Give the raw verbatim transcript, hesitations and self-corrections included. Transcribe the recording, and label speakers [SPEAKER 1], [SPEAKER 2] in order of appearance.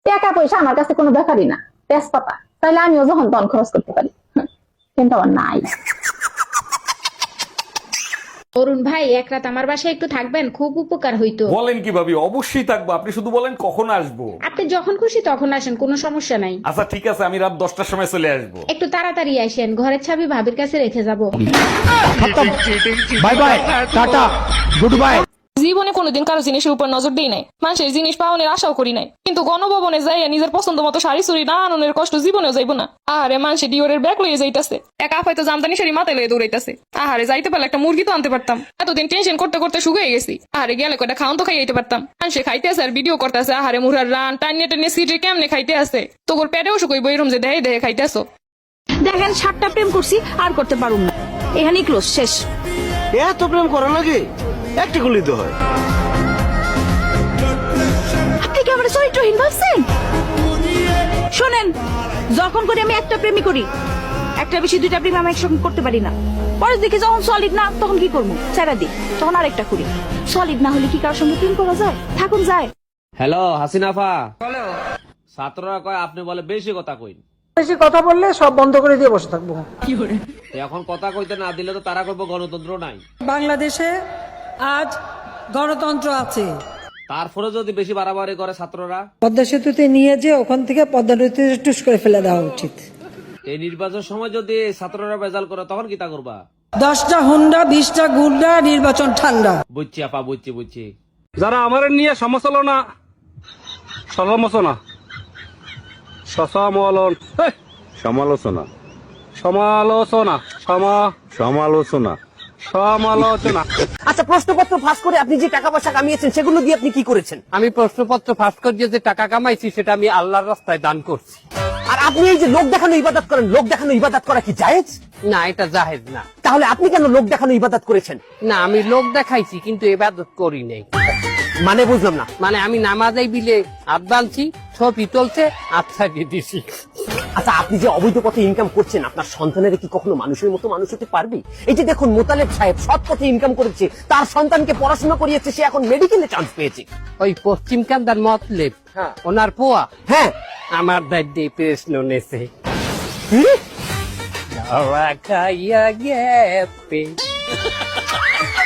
[SPEAKER 1] টাকা পয়সা আমার কাছে কোনো ব্যাপারই না, তেজপাতা তাইলে আমিও যখন তখন খরচ করতে পারি, কিন্তু আমার নাই।
[SPEAKER 2] অরুণ ভাই, এক রাত আমার বাসায় একটু থাকবেন, খুব উপকার হইতো।
[SPEAKER 3] বলেন কি ভাবি, অবশ্যই থাকবো। আপনি শুধু বলেন কখন আসবো।
[SPEAKER 2] আপনি যখন খুশি তখন আসেন, কোনো সমস্যা নাই।
[SPEAKER 3] আচ্ছা ঠিক আছে, আমি রাত দশটার সময় চলে আসবো।
[SPEAKER 2] একটু তাড়াতাড়ি আসেন, ঘরের চাবি ভাবির কাছে রেখে যাব।
[SPEAKER 4] Bye bye, tata, goodbye.
[SPEAKER 5] জীবনে কোনোদিন কারো জিনিসের উপর নজর দিই নাই, মানুষের জিনিস পাওয়ানোর আশাও করি নাই, কিন্তু গণভবনে যাইয়া নিজের পছন্দ মতো শাড়ি চুরি না আননের কষ্ট জীবনেও যাইব না। আহারে, মানুষে ডিওরের ব্যাগ লইয়ে যাইতাছে, এক আপ হয়তো জামদানি শাড়ি মাথায় লইয়ে দৌড়াইতাছে। আহারে, যাইতে পারলে একটা মুরগি তো আনতে পারতাম। এতদিন টেনশন করতে করতে শুকিয়ে গেছি। আহারে, গেলে কয়টা খাওন তো খাইতে পারতাম। মানুষে খাইতে আছে আর ভিডিও করতেছে। আহারে, মুরার রান টানিয়ে টানিয়ে সিটে কেমনে খাইতে আছে, তোর পেটেও শুকইব এরম যে দেহে দেহে খাইতে আসো।
[SPEAKER 6] দেখেন, সাতটা প্রেম করছি, আর করতে পারুম না, এখানেই ক্লোজ, শেষ।
[SPEAKER 7] এত প্রেম করা লাগে? একটা গুলি তো হয়।
[SPEAKER 6] আপনি কি আমার চরিত্রহীন ভাবছেন? শোনেন, যখন করি আমি একটা প্রেমই করি, একটা বেশি দুইটা প্রেম আমি একসঙ্গে করতে পারি না। পরে দেখি যখন সলিড না, তখন কি করবো, ছেড়া দিই, তখন আরেকটা করি। সলিড না হলে কি কারোর সঙ্গে প্রেম করা যায়? থাকুন যায়।
[SPEAKER 8] হ্যালো হাসিনাফা, ছাত্ররা কয় আপনি বলে বেশি কথা কইন।
[SPEAKER 9] বেশি কথা বললে সব বন্ধ করে দিয়ে বসে থাকবো।
[SPEAKER 8] এখন কথা কইতে না দিলে তো তারা কইব গণতন্ত্র নাই।
[SPEAKER 9] বাংলাদেশে আজ গণতন্ত্র আছে।
[SPEAKER 8] তারপরে যদি বেশি বাড়াবাড়ি করে ছাত্ররা,
[SPEAKER 9] পদ্মা সেতুতে নিয়ে যে ওখান থেকে পদ্মা নদীতে টুস করে ফেলে দেওয়া উচিত।
[SPEAKER 8] এই নির্বাচন সময় যদি ছাত্ররা বেজাল করে তখন কি তা করবা?
[SPEAKER 9] দশটা হুন্ডা, বিশটা গুন্ডা, নির্বাচন ঠান্ডা।
[SPEAKER 8] বুঝছি আপা, বুঝছি বুঝছি।
[SPEAKER 10] যারা আমার নিয়ে সমালোচনা সমালোচনা সমালোচনা
[SPEAKER 7] সমালোচনা
[SPEAKER 10] সমালোচনা সমা
[SPEAKER 7] সমালোচনা
[SPEAKER 10] সমালোচনা
[SPEAKER 11] আচ্ছা, প্রশ্নপত্র ফাঁস করে আপনি যে টাকা পয়সা কামিয়েছেন সেগুলো দিয়ে আপনি কি করেছেন?
[SPEAKER 8] আমি প্রশ্নপত্র ফাঁস করিয়ে যে টাকা কামাইছি সেটা আমি আল্লাহর রাস্তায় দান করছি।
[SPEAKER 11] আর আপনি এই যে লোক দেখানো ইবাদত করেন, লোক দেখানো ইবাদত করা কি জায়েজ?
[SPEAKER 8] না, এটা জাহেজ না।
[SPEAKER 11] তাহলে আপনি কেন লোক দেখানো ইবাদত করেছেন?
[SPEAKER 8] না, আমি লোক দেখাইছি কিন্তু ইবাদত করি নাই।
[SPEAKER 11] মানে বুঝলাম না।
[SPEAKER 8] মানে আমি নামাজেই বিলে হাত বাঁধছি, ছবি তুলছে, আচ্ছা দিয়ে দিছি।
[SPEAKER 11] আচ্ছা, আপনি যে অবৈধ পথে ইনকাম করছেন, আপনার সন্তানের কি কখনো মানুষের মতো মানুষ হতে পারবে? এই যে দেখুন, মোতালেব সাহেব সৎ পথে ইনকাম করেছে, তার সন্তানকে পড়াশোনা করিয়েছে, সে এখন মেডিকেলে চান্স পেয়েছে।
[SPEAKER 8] ওই পশ্চিম কান্দার মতলেব,
[SPEAKER 11] হ্যাঁ।
[SPEAKER 8] ওনার পোয়া,
[SPEAKER 11] হ্যাঁ,
[SPEAKER 8] আমার দায়িত্বে প্রশ্ন নেছে।
[SPEAKER 11] কি?
[SPEAKER 8] খাইয়া গেপে